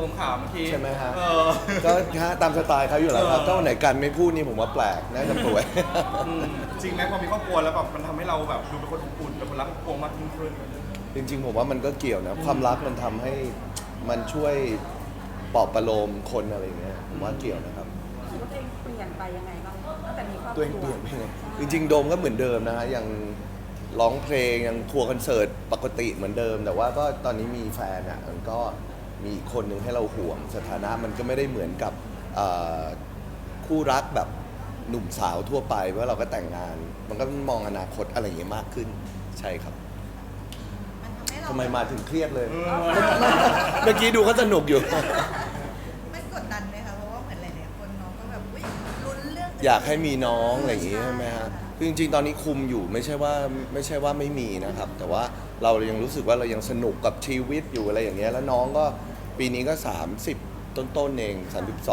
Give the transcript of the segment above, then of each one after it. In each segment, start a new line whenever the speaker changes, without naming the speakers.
มข่าวเมื่อกี้
ใช่ไหมฮะ
ก็
ก็ตามสไตล์เขาอยู่แล้วครับถ้าวันไหนกันไม่พูดนี่ผมว่าแปลกน่าจะป่วย
จริงไหมพอมีครอบครัวแล้วแบบมันทำให้เราแบบดูเป็นคนอบอุ่นเป็นคนรักครอบครัวมากยิ่งขึ้น
จริงๆผมว่ามันก็เกี่ยวนะความรักมันทำให้มันช่วยปลอบประโลมคนอะไรอย่างเงี้ยผมว่าเกี่ยวนะครับ
รู้สึกว่าตัวเองเปลี่ยนไปยังไงบ้างตั้งแต่มีครอบครัว
ตัวเองเปลี่ยนไปไงจริงๆโดมก็เหมือนเดิมนะฮะยังร้องเพลงยังทัวร์คอนเสิร์ตปกติเหมือนเดิม แต่ว่าก็ตอนนี้มีแฟนอ่ะมันก็มีอีกคนหนึ่งให้เราห่วงสถานะมันก็ไม่ได้เหมือนกับคู่รักแบบหนุ่มสาวทั่วไปเพราะเราก็แต่งงาน มันก็มองอนาคตอะไรอย่างเงี้ยมากขึ้นใช่ครับ
มันทำให้เรา
ทำไมมาถึงเครียดเลย เมื่อกี้ดูเขาสนุกอยู่
ไม่กดดันเลยค่ะเพราะว่าเหมือนหลายๆคนน้องก็แบบอุ๊ยลุ้นเรื่อง
อยากให้มีน้องอะไรอย่างงี้ใช่ไหมฮะคือจริงๆ ตอนนี้คุมอยู่ไม่ใช่ว่าไม่มีนะครับ แต่ว่าเรายังรู้สึกว่าเรายังสนุกกับชีวิตอยู่อะไรอย่างเงี้ย แล้วน้องก็ปีนี้ก็ 30 ต้นๆเอง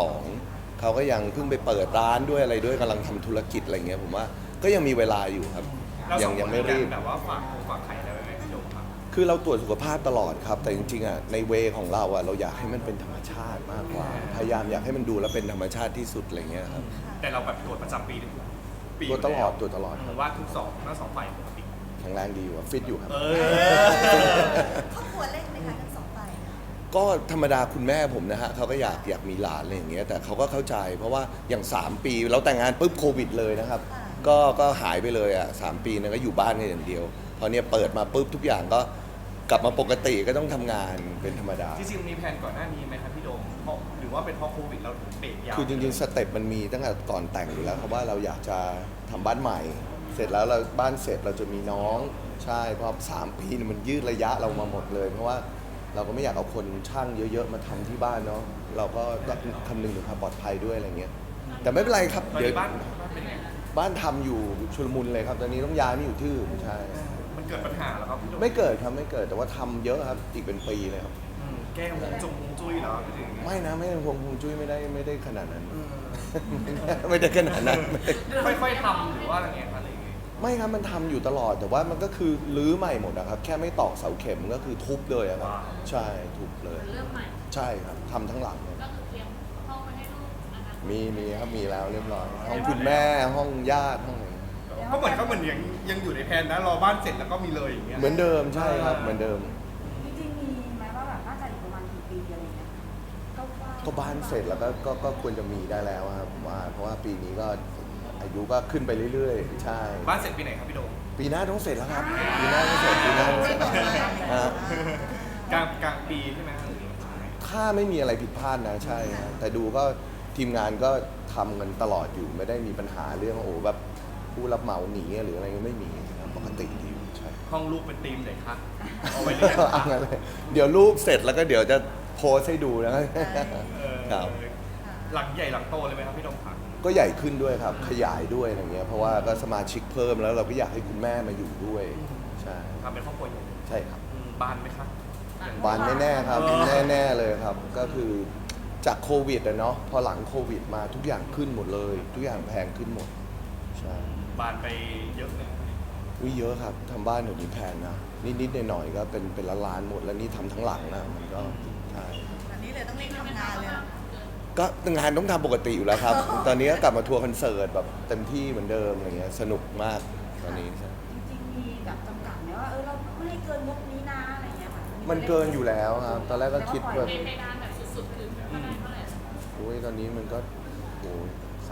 32เขาก็ยังเพิ่งไปเปิดร้านด้วยอะไรด้วยกำลังทำธุรกิจอะไรเงี้ยผมว่าก็ยังมีเวลาอยู่ครับ
เราสอง
ยั
คน
ไม่รีบ
แบบว่าฝากไข่อะไรไว้ไหมพี่โดมครับ
คือเราตรวจสุขภาพตลอดครับ แต่จริงๆอ่ะในเวของเราอ่ะเราอยากให้มันเป็นธรรมชาติมากกว่า พยายามอยากให้มันดูแล้วเป็นธรรมชาติที่สุดอะไรเงี้ยครับ
แต่เราแบบตรวจประจำปีทุกปี
ตรวจตลอดตรวจตลอด
ผมว่าทั้งสองฝ่ายปกติ
แข็งแรงดีอยู่อะฟิตอยู่ครับ
ครอบครัวเล็กไหมคะทั้งสองฝ่าย
ก็ธรรมดาคุณแม่ผมนะฮะเขาก็อยากมีหลานอะไรอย่างเงี้ยแต่เขาก็เข้าใจเพราะว่าอย่าง3 ปีเราแต่งงานปุ๊บโควิดเลยนะครับก็หายไปเลยอ่ะ3 ปีนั้นก็อยู่บ้านกันอย่างเดียวพอเนี่ยเปิดมาปุ๊บทุกอย่างก็กลับมาปกติก็ต้องทำงานเป็นธรรมดา
จริงๆมีแผนก่อนหน้านี้ไหมครับพี่โดมเพราะหรือว่าเป็นเพราะโควิดเราถึงเบรกยาว
คือจริงๆสเต็ปมันมีตั้งแต่ก่อนแต่งอยู่แล้วครับว่าเราอยากจะทำบ้านใหม่ เสร็จแล้วเราบ้านเสร็จเราจะมีน้องใช่เพราะ3 ปีเนี่ยมันยืดระยะเรามาหมดเลย เพราะว่าเราก็ไม่อยากเอาคนช่างเยอะๆมาทำที่บ้านเนาะเราก็คำนึงถึงความปลอดภัยด้วยอะไรเงี้ยแต่ไม่เป็นไรครับ
ตอน
เดี๋ยว
นี้บ้านเป็นไง
บ้านทำอยู่ชุลมุนเลยครับตอนนี้ต้องย้ายมาอยู่ที่อื่นใช่
มันเกิดปัญหาแล้วครับพี่โดม
ไม่เกิดครับไม่เกิดแต่ว่าทำเยอะครับอีกเป็นปีเลยครับ
แก้วงจุ้ยเหรอพี่ถึง
ไม่นะไม่ฮวงจุ้ยไม่ได้ขนาดนั้น ไม่ได้ขนาดนั้น
ค่อยๆทำหรือว่าอะไรเงี้ยอะไรอย่างเงี้ย
ไม่ครับมันทำอยู่ตลอดแต่ว่ามันก็คือรื้อใหม่หมดนะครับแค่ไม่ตอกเสาเข็มก็คือทุบเลยอะครับใช่ทุบเลย
เริ่มใหม่
ใช่ครับทำทั้งหลังเลย
ก็คือเตรียมห้องไว้ให้ลูกนะคะ
มีครับมีแล้วเรียบร้อยห้องคุณแม่ห้องญาติห้องอะไร
ก็เหมือนยังอยู่ในแผนนะรอบ้านเสร็จแล้วก็มีเลยอย่างเงี้ย
เหมือนเดิมใช่ครับเหมือนเดิม
จริงๆมีไหมว่าแบบน่าจะอีกประมาณกี่ปีอะไรเงี้ยก็ว่า
ก็บ้านเสร็จแล้วก็ควรจะมีได้แล้วครับผมว่าเพราะว่าปีนี้ก็อายุก็ขึ้นไปเรื่อยๆ ใช่
บ้านเสร็จปีไหนครับพี่โดม
ปีหน้าต้องเสร็จแล้วครับปีหน้าต้องเสร็จปีหน้าต้องเสร็จฮะ
กลางปีใช่ไหมครับ
ถ้าไม่มีอะไรผิดพลาดนะใช่ฮะแต่ดูก็ทีมงานก็ทำกันตลอดอยู่ไม่ได้มีปัญหาเรื่องโอ้แบบผู้รับเหมาหนีหรืออะไรก็ไม่มีครับปกติดีอยู่ใช่
ห้องลูกเป็นธีมไหนคะเอาไว้เรียน
เอางั้นเลยเดี๋ยวรูปเสร็จแล้วก็เดี๋ยวจะโพสต์ให้ดูนะครับครับ
หลังใหญ่หลังโตเลยไหมครับพี่โดมครับ
ก็ใหญ่ขึ้นด้วยครับ ขยายด้วยอะไรเงี้ยเพราะว่าก็สมาชิกเพิ่มแล้วเราก็อยากให้คุณแม่มาอยู่ด้วยใช่
ทำเป็นครอบครัวใหญ่
ใช่ครับ
บ้านไหมครับ
บานแน่ๆครับแน่ๆเลยครับ ก็คือจากโควิดอะเนาะพอหลังโควิดมาทุกอย่างขึ้นหมดเลย ทุกอย่างแพงขึ้นหมดใช่
บ้านไปเยอะเลย
วิเยอะครับทำบ้านเดี๋ยวนี้แพงนะนิดๆหน่อยๆก็เป็นล้านๆหมดแล้วนี่ทำทั้งหลังนะมันก็ใช่
อันนี้เลยต้องรีบทำงานเลยนะ
ก็งานต้องทำปกติอยู่แล้วครับ ตอนนี้ก็กลับมาทัวร์คอนเสิร์ตแบบเต็มที่เหมือนเดิมอะไรเงี้ยสนุกมากตอนนี้ใช่
จริงๆมีแบบจำกัดไหมว่าเราไม่ให้เกินงบนี้นะอะไรเงี้ยค่ะ
มันเกินอยู่แล้วครับตอนแรกก็คิดแบบ
เพดานแบบสุดๆคือเท่าไหร่เท่าไหร่
โอ้ยตอนนี้มันก็โอ้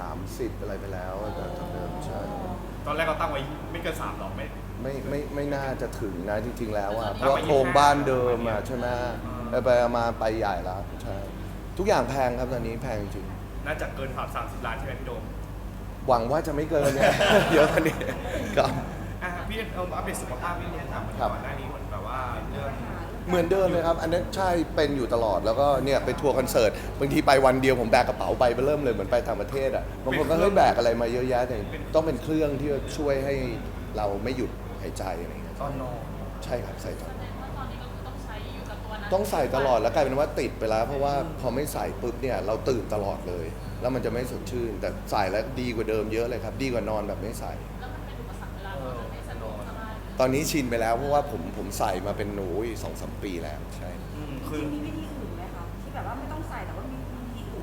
30อะไรไปแล้วแต่เดิมใช่
ตอนแรกเราตั้งไว้ไม่เกิน3หรอก
ไม่น่าจะถึงนะจริงๆแล้วอ่ะเพราะว่าโครงบ้านเดิมอ่ะใช่ไหมไปมาไปใหญ่แล้วใช่ทุกอย่างแพงครับตอนนี้แพงจริง
น่าจะเกินผ่าน30 ล้านใช่ไหมพี่โดม
หวังว่าจะไม่เกินเนี่ย เยอะกว่านี้ครับ
พี่อัปเดตสุขภาพพี่เนี่ยครับ
ครับ
ก่อนหน้านี้มันแบบว่าเรื่อง
เหมือนเดิมเลยครับ อันนั้นใช่เป็นอยู่ตลอดแล้วก็เนี่ยไปทัวร์คอนเสิร์ตบางทีไปวันเดียวผมแบกกระเป๋าไปเริ่มเลยเหมือนไปต่างประเทศอ่ะบางคนก็เฮ้ยแบกอะไรมาเยอะแยะแต่ต้องเป็นเครื่องที่ช่วยให้เราไม่หยุดหายใจอะไรอย่างเงี้ย
ตอนนอน
ใช่ครับใส่ตลอด
แสดงว่าตอนนี้ก็คือต้องใช้อยู่กับตัวนั้น
ต้องใส่ตลอดแล้วกลายเป็นว่าติดไปแล้ว เพราะว่าพอไม่ใส่ปุ๊บเนี่ยเราตื่นตลอดเลย แล้วมันจะไม่สดชื่น แต่ใส่แล้วดีกว่าเดิมเยอะเลยครับ ดีกว่านอนแบบไม่ใส่
แล้วมันเป็นอุปสรรคเวลาเราไม่สะดวกสบาย
ตอนนี้ชินไปแล้วเพราะว่าผมใส่มาเป็นหนู2-3 ปีแล้วใช่
จ
คื
ริ
อง
ๆมีวิธีอื่นไหมคะที่แบบว่าไม่ต้อง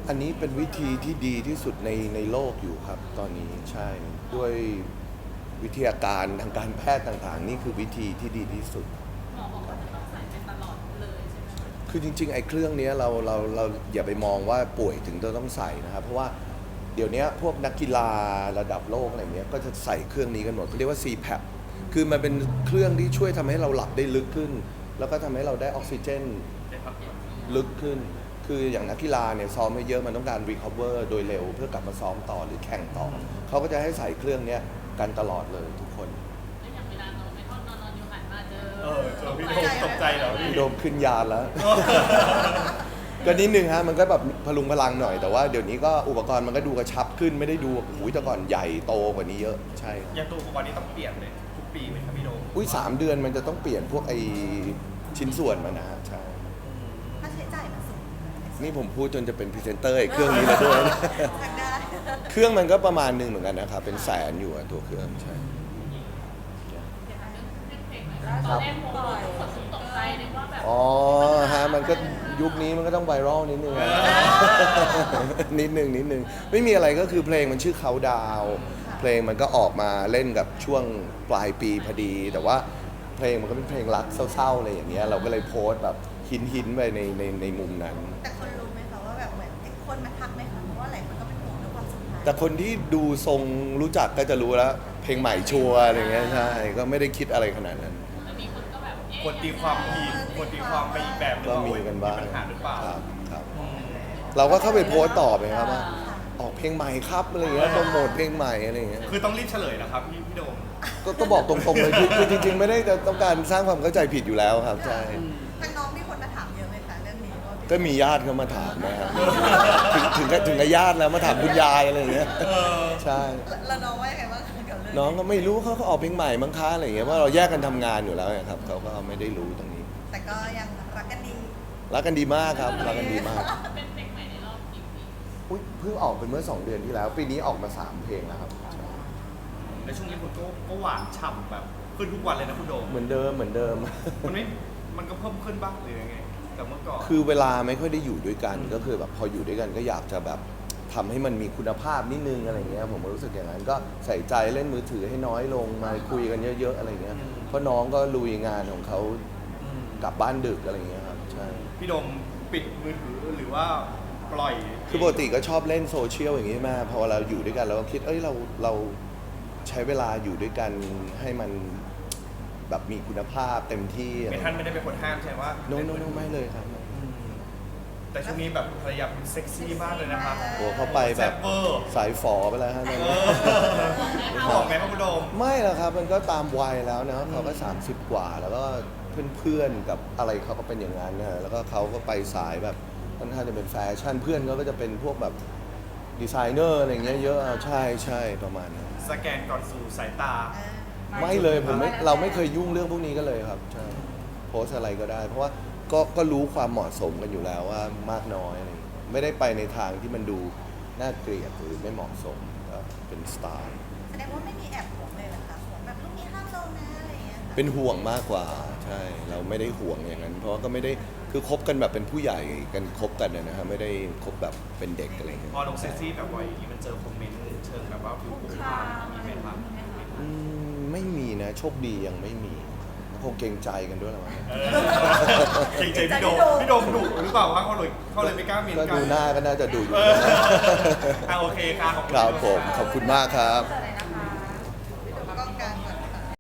อันนี้เป็นวิธีที่ดีที่สุดในโลกอยู่ครับ ตอนนี้ใช่ด้วยวิทยาการทางการแพทย์ต่างๆ นี่คือวิธีที่ดีที่สุด
หมอบอกว่าจะต้องใส่ไปตลอดเลยใช่ไหมคะ
คือจริงๆไอ้เครื่องเนี้ยเราอย่าไปมองว่าป่วยถึงจะต้องใส่นะครับ เพราะว่าเดี๋ยวนี้พวกนักกีฬาระดับโลกอะไรเงี้ยก็จะใส่เครื่องนี้กันหมดเขาเรียกว่า CPAP คือมันเป็นเครื่องที่ช่วยทำให้เราหลับได้ลึกขึ้น แล้วก็ทำให้เราได้ออกซิเจนลึกขึ้น คืออย่างนักกีฬาเนี่ยซ้อมไม่เยอะมันต้องการ recover โดยเร็วเพื่อกลับมาซ้อมต่อหรือแข่งต่อเขาก็จะให้ใส่เครื่องเนี้ยกันตลอดเลยทุกคน
แล้วอย่างเวลานอนไม่ทอดนอนอยู่หันมาเจอ
เจอพี่โดมตกใจเหรอพี่
โดมขึ้นยานแล้ว ก็นิดนึงฮะมันก็แบบพลุงพลังหน่อย แต่ว่าเดี๋ยวนี้ก็อุปกรณ์มันก็ดูกระชับขึ้นไม่ได้ดูหูยแต่ก่อนใหญ่โตกว่านี้เยอะใช่ครับ
ยังตัวอุปกรณ์นี้ต้องเปลี่ยนเลยทุกปีไหมครับพี่โดม
อุ้ย3 เดือนมันจะต้องเปลี่ยนพวกไอชิ้นส่วนมันนะฮะใช่
ค่าใช้จ่ายมันสูง
นี่ผมพูดจนจะเป็นพรีเซนเตอร์ไอ้เครื่องนี้แล้วด้วย
ทางได้
เครื่องมันก็ประมาณหนึ่งเหมือนกันนะครับเป็นแสนอยู่อะตัวเครื่องใช่
เดี๋ยวนะเรื่องเพลงหน่อยตอนแรกโมทุกคนตกใจนึกว่าแบบ
อ๋อฮะมันก็ยุคนี้มันก็ต้องไวรัลนิดนึงอะ นิดนึงไม่มีอะไรก็คือเพลงมันชื่อเขาดาวเพลงมันก็ออกมาเล่นกับช่วงปลายปีพอดี แต่ว่าเพลงมันก็เป็นเพลงรักเศร้าๆอะไรอย่างเงี้ยเราก็เลยโพสต์แบบหินไปในมุมนั้น
แต่คนรู้ไหมคะว่าแบบเหมือนคนมาทักไหมคะเพราะว่าหลายคนก็เป็นห่วงเรื่องความสัมพันธ์
แต่คนที่ดูทรงรู้จักก็จะรู้แล้วเพลงใหม่ชัวร์อะไรเงี้ยใช่ก็ไม่ได้คิดอะไรขนาดนั้น
แล้วมีคนก็แบบเอ๊ะ
คนตีความผิดคนตีความไปอีกแบบหนึง
ก็
ว่า
มี
โอ๊ย
กันบ้าง
ปัญหาหรือเปล่า
ครับเราก็เข้าไปโพสต์ตอบเลยครับว่าออกเพลงใหม่ครับอะไรเงี้ยโปรโมทเพลงใหม่อะไรเงี้ย
คือต้องรีบเฉลยนะครับพี่โดม
ก็บอกตรงๆเลยคือจริงๆ ไม่ได้จะต้องการสร้างความเข้าใจผิดอยู่แล้วครับใช่
ทางน้องมีคนมาถามเยอะไหมคะเรื่องนี้ว่า
ก็มีญาติเขามาถามนะครับถึงกับญาติแล้วมาถามคุณยายอะไรเงี้ยใช่
แล้วน้องว่ายังไงบ้างคะกับเรื่อง
น้องก็ไม่รู้เขาก็ออกเพลงใหม่มั้งคะอะไรเงี้ยว่าเราแยกกันทำงานอยู่แล้วนะครับเขาก็ไม่ได้รู้ตรงนี้
แต่ก็ยังรักกันดี
รักกันดีมากครับรักกันดีมาก
เป็นเพลงใหม่ในรอบกี่ปี
อุ๊ยเพิ่งออกเป็นเมื่อ 2 เดือนที่แล้ว ปีนี้ออกมา 3 เพลงแล้วครับ
ในช่วงนี้คุณก็หวานฉ่ำแบบขึ้นทุกวันเลยนะคุณโดม
เหมือนเดิม
มันก็เพิ่มขึ้นบ้างหรือยังไงจากเมื่อก่อน
คือเวลาไม่ค่อยได้อยู่ด้วยกันก็คือแบบพออยู่ด้วยกันก็อยากจะแบบทำให้มันมีคุณภาพนิดนึงอะไรเงี้ยผมก็รู้สึกอย่างนั้นก็ใส่ใจเล่นมือถือให้น้อยลงมาคุยกันเยอะๆอะไรเงี้ยเพราะน้องก็ลุยงานของเขากลับบ้านดึกอะไรเงี้ยครับใช่
พี่โดมปิดมือถือหรือว่าปล่อย
คือปกติก็ชอบเล่นโซเชียลอย่างนี้มากพอเราอยู่ด้วยกันเราก็คิดเราใช้เวลาอยู่ด้วยกันให้มันแบบมีคุณภาพเต็มที่อะไร
ไม่ท่านไม่ได้เป็นคนห้ามใช่ไหมว่า
โน้ไม่เลยครับ
แต่ช่วงนี้แบบภรรยาเซ็กซี่มากเลยนะครับ
โอ้เขาไปแบบ
ซ่เวอร์
สายฝอไปแล้วฮะตอนนี้
บอกไหมครับคุณโดม
ไม่หรอกครับมันก็ตามวัยแล้วนะเขาก็30 กว่า แล้วก็เพื่อนๆกับอะไรเขาก็เป็นอย่างนั้นนะแล้วก็เขาก็ไปสายแบบค่อนข้างจะเป็นแฟชั่นเพื่อนเขาก็จะเป็นพวกแบบดีไซเนอร์อะไรอย่างเงี้ยเยอะใช่ประมาณนั้น
สแกนก่อนสู่สายตา
ไม่เลยเราไม่เคยยุ่งเรื่องพวกนี้กันเลยครับใช่โพสต์อะไรก็ได้ เพราะว่าก็รู้ความเหมาะสมกันอยู่แล้วว่ามากน้อยอะไรอย่างเงี้ยไม่ได้ไปในทางที่มันดูน่าเกลียดหรือไม่เหมาะสมก็เป็นสไตล์
แสดงว่าไม่มีแอบห่วงเลยเหรอคะห่วงแบบลูกนี้ห้ามลงนะอะไรอย่างเงี้ยค่ะ
เป็นห่วงมากกว่าใช่เราไม่ได้ห่วงอย่างนั้น เพราะว่าก็ไม่ได้คือคบกันแบบเป็นผู้ใหญ่กันคบกันนะครับไม่ได้คบแบบเป็นเด็กอะไรอย่างเงี้ย
พอลงเซ็กซี่แบบบ่อยอย่างนี้มันเจอคอมเมนต์เชิงแบบว่าผิว
คุก
คุก
คา
คาม
ม
มี
อะไร
ไหม
อย่าง
ครับ
นี้ไหมคะ
ไม่มีนะโชคดียังไม่มีคงเกรงใจกันด้วยหรอมั้ง
จริงๆพี่โดมดุหรือเปล่าว่าเขาเลยไม่กล้าเมียน
ก็
กัน
ดูหน้าก็น่าจะดูอยู่
โอเคครับขอบคุณ
ครับ
พี่โด
ผมขอบคุณมากครับ
แต่